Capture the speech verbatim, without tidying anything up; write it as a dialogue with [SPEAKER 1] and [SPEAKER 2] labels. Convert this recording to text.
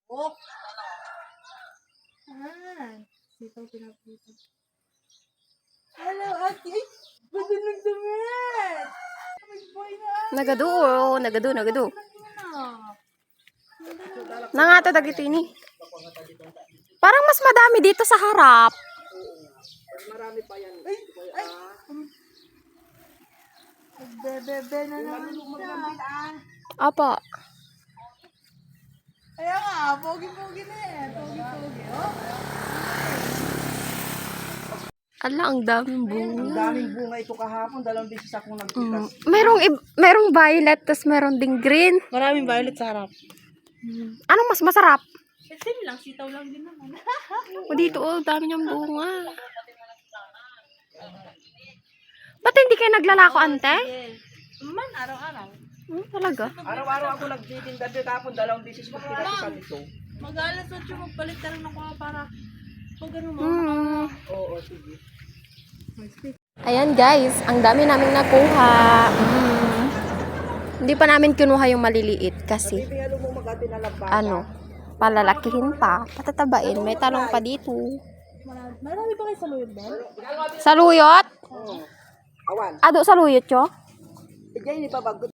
[SPEAKER 1] Oh! Ah, sitaw pinaprito. Hello, ate! Ay, bago nagdamit! May boy na ate!
[SPEAKER 2] Nagadu, nagadu, nagadu.
[SPEAKER 1] Ah.
[SPEAKER 2] Nangata dagito ini. Parang mas madami dito sa harap.
[SPEAKER 3] Marami pa yan.
[SPEAKER 1] Ay! Ay! Bebe-bebe na naman siya.
[SPEAKER 2] Apa.
[SPEAKER 1] Kaya nga, pogi-pogi na eh. Pogi-pogi. Oh.
[SPEAKER 2] Ala, ang daming
[SPEAKER 3] Ang
[SPEAKER 2] bunga.
[SPEAKER 3] daming bunga ito kahapon. Dalawang beses akong
[SPEAKER 2] Mm.
[SPEAKER 3] nagpitas.
[SPEAKER 2] Merong, ib- merong violet, tas meron ding green.
[SPEAKER 1] Maraming violet sa harap.
[SPEAKER 2] Anong mas masarap?
[SPEAKER 1] Same lang, sitaw lang din naman.
[SPEAKER 2] O dito, oh, dami niyang bunga. Ba't hindi kayo naglalako, ante?
[SPEAKER 1] Man, araw-araw.
[SPEAKER 2] Hmm, talaga?
[SPEAKER 3] Araw-araw ako nagtitinda dito kahapon. Dalawang beses magpitas ko sa dito.
[SPEAKER 1] Mag-alas ocho, magpalit ka lang ng kuha para pag ano mo.
[SPEAKER 2] Hmm.
[SPEAKER 3] Oo, sige.
[SPEAKER 2] Ayan guys, ang dami naming nakuha. Mm. Hindi pa namin kinuha yung maliliit kasi
[SPEAKER 3] Bibingalo mo mag-ati na lang ba?
[SPEAKER 2] ano, palalakihin pa, patatabain. May talong pa dito.
[SPEAKER 1] Marami, marami pa kayo sa luyod ba?
[SPEAKER 2] Saluyot?
[SPEAKER 3] Oo. Awan.
[SPEAKER 2] Ado saluyot yo?
[SPEAKER 3] Diyan, hindi pa bago.